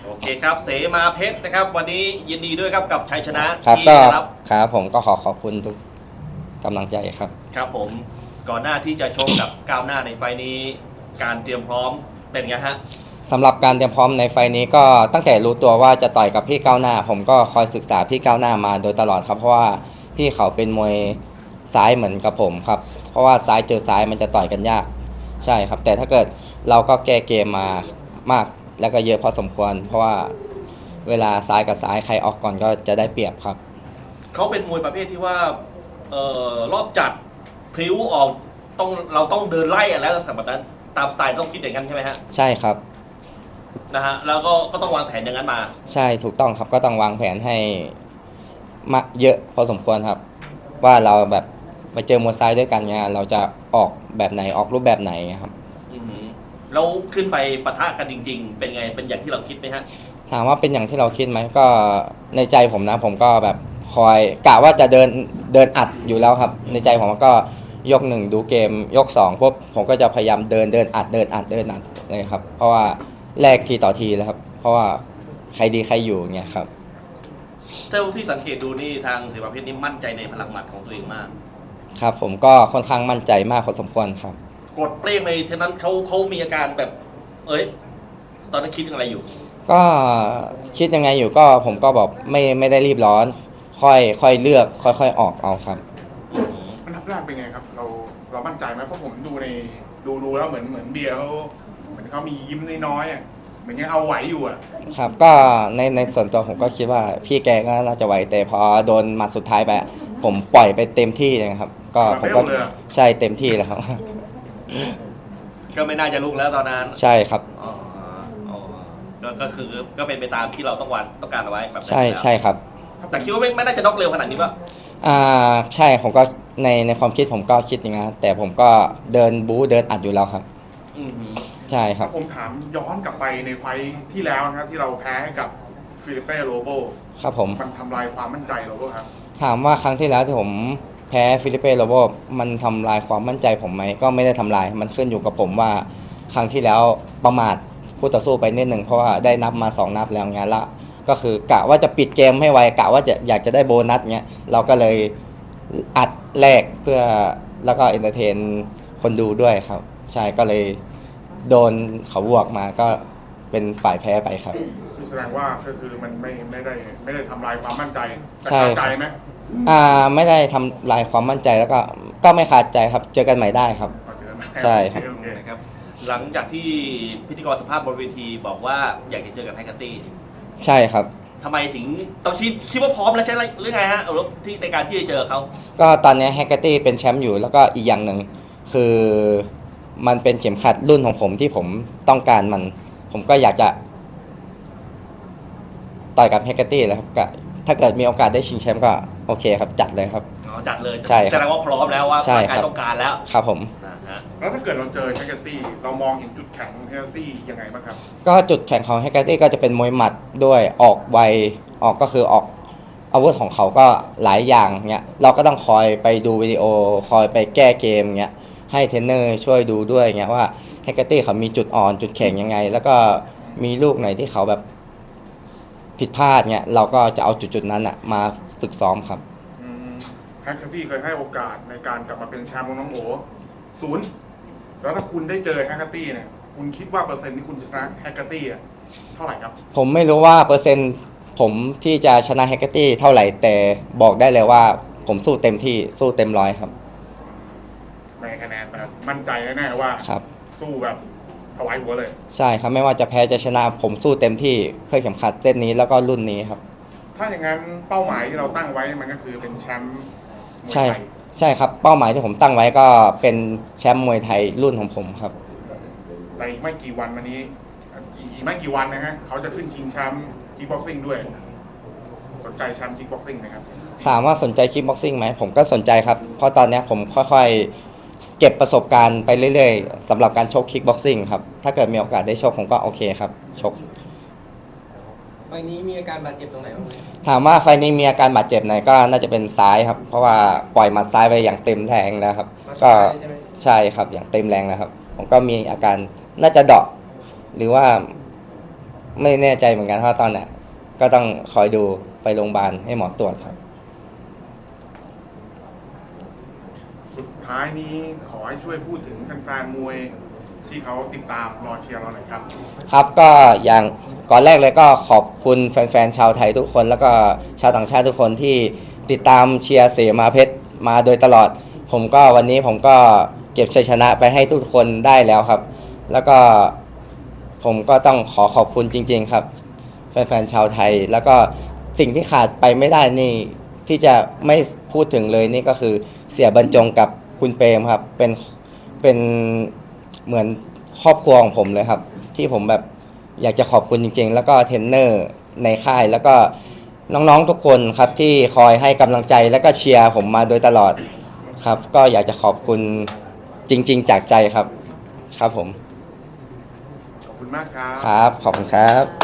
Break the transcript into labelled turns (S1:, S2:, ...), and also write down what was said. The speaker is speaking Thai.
S1: โอเคครับเสมาเพชรนะครับวันนี้ยินดีด้วยครับกับชัยชนะครับที่
S2: ก็
S1: ได้รับ
S2: ครับผมก็ขอบคุณทุกกำลังใจครับ
S1: ครับผมก่อนหน้าที่จะชกกับก้าวหน้าในไฟล์นี้การเตรียมพร้อมเป็นไงฮะ
S2: สำหรับการเตรียมพร้อมในไฟล์นี้ก็ตั้งแต่รู้ตัวว่าจะต่อยกับพี่ก้าวหน้าผมก็คอยศึกษาพี่ก้าวหน้ามาโดยตลอดครับเพราะว่าพี่เขาเป็นมวยซ้ายเหมือนกับผมครับเพราะว่าซ้ายเจอซ้ายมันจะต่อยกันยากใช่ครับแต่ถ้าเกิดเราก็แก้เกมมามากแล้วก็เยอะพอสมควรเพราะว่าเวลาซ้ายกับซ้ายใครออกก่อนก็จะได้เปรียบครับ
S1: เขาเป็นมวยประเภทที่ว่ารอบจัดพลิ้วออกเราต้องเดินไล่อะแล้วแบบนั้นตามสไตล์ต้องคิดอย่างนั้นใช่ไหมฮะ
S2: ใช่ครับ
S1: นะฮะแล้วก็ต้องวางแผนอย่างนั้นมา
S2: ใช่ถูกต้องครับก็ต้องวางแผนให้มาเยอะพอสมควรครับว่าเราแบบไปเจอมวยซ้ายด้วยกันเนี่ยเราจะออกแบบไหนออกรูปแบบไหนครับ
S1: แล้วขึ้นไปปะทะกันจริงๆเป็นไงเป็นอย่างที่เราคิดไหมฮะ
S2: ถามว่าเป็นอย่างที่เราคิดไหมก็ในใจผมนะผมก็แบบคอยกะว่าจะเดินอัดอยู่แล้วครับในใจผมก็ยกหนึ่งดูเกมยกสองปุ๊บผมก็จะพยายามเดินอัดเลยครับเพราะว่าแลกทีต่อทีแล้วครับเพราะว่าใครดีใครอยู่เงี้ยครับ
S1: เท่าที่สังเกตดูนี่ทางเสมาเพชรนี่มั่นใจในพลังหมัดของตัวเองมาก
S2: ครับผมก็ค่อนข้างมั่นใจมากพอสมควรครับ
S1: กดเปรี้ยงในทีนั้นเขามีอาการแบบตอนนั้นคิดอะไรอยู่
S2: ก็คิดยังไงอยู่ก็ผมก็บอกไม่ได้รีบร้อนค่อยเลือกค่อยออกเอาครับ
S3: มันทับแรกเป็นไงครับเรามั่นใจไหมเพราะผมดูดูแล้วเหมือนเบียร์เขามียิ้มน้อยๆเหมือนยังเอาไหวอยู่
S2: ครับก็ในส่วนตัวผมก็คิดว่าพี่แกก็น่าจะไหวแต่พอโดนหมัดสุดท้ายไปผมปล่อยไปเต็มที่เลยครับก็ผมก็ใช่เต็มที่แล้วครับ
S1: ก็ไม่น่าจะลุกแล้วตอนนั้น
S2: ใช่ครับ
S1: ก็คือก็เป็นไปตามที่เราต้องการเอาไว้แบบ
S2: ใช่ครับ
S1: แต่คิดว่าไม่น่าจะน็อกเร็วขนาดนี้ป่ะ
S2: ใช่ผมก็ในความคิดผมก็คิดอย่างนั้นแต่ผมก็เดินบู๊เดินอัดอยู่แล้วครับใช่ครับ
S3: ผมถามย้อนกลับไปในไฟที่แล้วนะครับที่เราแพ้ให้กับฟิลิปเป้โรโบ
S2: ครับผม
S3: มันทำลายความมั่นใจโรโบครับ
S2: ถามว่าครั้งที่แล้วที่ผมแพ้ฟิลิปเป้โรโบมันทำลายความมั่นใจผมไหมก็ไม่ได้ทำลายมันขึ้นอยู่กับผมว่าครั้งที่แล้วประมาทคู่ต่อสู้ไปนิดหนึ่งเพราะว่าได้นับมา2นับแล้วเงี้ยละก็คือกะว่าจะปิดเกมให้ไวกะว่าอยากจะได้โบนัสเงี้ยเราก็เลยอัดแลกเพื่อแล้วก็เอนเตอร์เทนคนดูด้วยครับใช่ก็เลยโดนเขาบวกมาก็เป็นฝ่ายแพ้ไปครับ
S3: แสดงว่าก็คือมันไม่ได้ทำลายความมั่นใจ
S2: ใช่
S3: ใจไหม
S2: ไม่ได้ทำลายความมั่นใจแล้วก็ไม่ขาดใจครับเจอกันใหม่ได้ครับใช่
S1: ครับหลังจากที่พิธีกรสภาพบนเวทีบอกว่าอยากจะเจอกับไฮกัตตี้
S2: ใช่ครับ
S1: ทำไมถึงต้องคิดว่าพร้อมแล้วใช่หรือไงฮะที่ในการที่จะเจอเขา
S2: ก็ตอนนี้แฮกเกอร์ตี้เป็นแชมป์อยู่แล้วก็อีกอย่างหนึ่งคือมันเป็นเข็มขัดรุ่นของผมที่ผมต้องการผมก็อยากจะต่อยกับแฮกเกอร์ตี้แล้วครับก็ถ้าเกิดมีโอกาสได้ชิงแชมป์ก็โอเคครับจัดเลยครับ
S1: จัดเลย
S2: ใช่
S1: แสดงว่าพร้อมแล้วว่าการต้องการแล้ว
S2: ครับผม
S3: แล้วถ้าเกิดเราเจอแฮกเกอร์ตี้เรามองเห็นจุดแข็งของแฮกเกอร์ตี้ยังไงบ้างครับ
S2: ก็จุดแข็งของแฮกเกอร์ตี้ก็จะเป็นมวยหมัดด้วยออกไวก็คือออกอาวุธของเขาก็หลายอย่างเนี้ยเราก็ต้องคอยไปดูวิดีโอคอยไปแก้เกมเนี้ยให้เทรนเนอร์ช่วยดูด้วยเงี้ยว่าแฮกเกอร์ตี้เขามีจุดอ่อนจุดแข็งยังไงแล้วก็มีลูกไหนที่เขาแบบผิดพลาดเงี้ยเราก็จะเอาจุดนั้นอ่ะมาฝึกซ้อมครับ
S3: แฮกเกอร์ตี้เคยให้โอกาสในการกลับมาเป็นแชมป์ของน้องโอ0แล้วถ้าคุณได้เจอแฮกเกอร์ตี้เนี่ยคุณคิดว่าเปอร์เซ็นต์ที่คุณชนะแฮกเกอร์ตี้เท่าไหร่ครับ
S2: ผมไม่รู้ว่าเปอร์เซ็นต์ผมที่จะชนะแฮกเกอร์ตี้เท่าไหร่แต่บอกได้เลยว่าผมสู้เต็มที่สู้เต็มร้อยครับ
S3: ในคะแนนแบบมั่นใจแน่ๆว่าสู้แบบถวายหัวเลย
S2: ใช่ครับไม่ว่าจะแพ้จะชนะผมสู้เต็มที่เพื่อเข็มขัดเส้นนี้แล้วก็รุ่นนี้ครับ
S3: ถ้าอย่างนั้นเป้าหมายที่เราตั้งไว้มันก็คือเป็นแชมป์
S2: ใช่ครับเป้าหมายที่ผมตั้งไว้ก็เป็นแชมป์มวยไทยรุ่นของผมครับ
S3: ในไม่กี่วันมานี้อีกไม่กี่วันนะฮะเขาจะขึ้นชิงแชมป์คิกบ็อกซิ่งด้วยสนใจแชมป์คิกบ็อกซิ่งไหมครับ
S2: ถามว่าสนใจคิกบ็อกซิ่งไหมผมก็สนใจครับเพราะตอนนี้ผมค่อยๆเก็บประสบการณ์ไปเรื่อยๆสำหรับการชกคิกบ็อกซิ่งครับถ้าเกิดมีโอกาสได้ชกผมก็โอเคครับชก
S4: ไฟนี้มีอาการบาดเจ็บตรงไหนบ้างไหม
S2: ถามว่าไฟนี้มีอาการบาดเจ็บไหนก็น่าจะเป็นซ้ายครับเพราะว่าปล่อยหมัดซ้ายไปอย่างเต็มแรงแล้วครับก็ใช่ครับอย่างเต็มแรงนะครับผมก็มีอาการน่าจะเดาะหรือว่าไม่แน่ใจเหมือนกันเพราะตอนน่ะก็ต้องคอยดูไปโรงพยาบาลให้หมอตรวจครับ
S3: สุดท้ายนี้ขอให้ช่วยพูดถึงแฟนๆมวยที่เขาติดตามรอเชียร์เราหน่อยครับ
S2: ครับก็อย่างก่อนแรกเลยก็ขอบคุณแฟนๆชาวไทยทุกคนแล้วก็ชาวต่างชาติทุกคนที่ติดตามเชียร์เสมาเพชรมาโดยตลอดวันนี้ผมก็เก็บชัยชนะไปให้ทุกคนได้แล้วครับ แล้วก็ผมก็ต้องขอบคุณจริงๆครับแฟนๆชาวไทยแล้วก็สิ่งที่ขาดไปไม่ได้นี่ที่จะไม่พูดถึงเลยนี่ก็คือเสียบรรจงกับคุณเปรมครับเป็นเหมือนครอบครัวของผมเลยครับที่ผมแบบอยากจะขอบคุณจริงๆแล้วก็เทรนเนอร์ในค่ายแล้วก็น้องๆทุกคนครับที่คอยให้กำลังใจแล้วก็เชียร์ผมมาโดยตลอดครับก็อยากจะขอบคุณจริงๆจากใจครับครับผม
S3: ขอบคุณมากครับ
S2: ครับขอบคุณครับ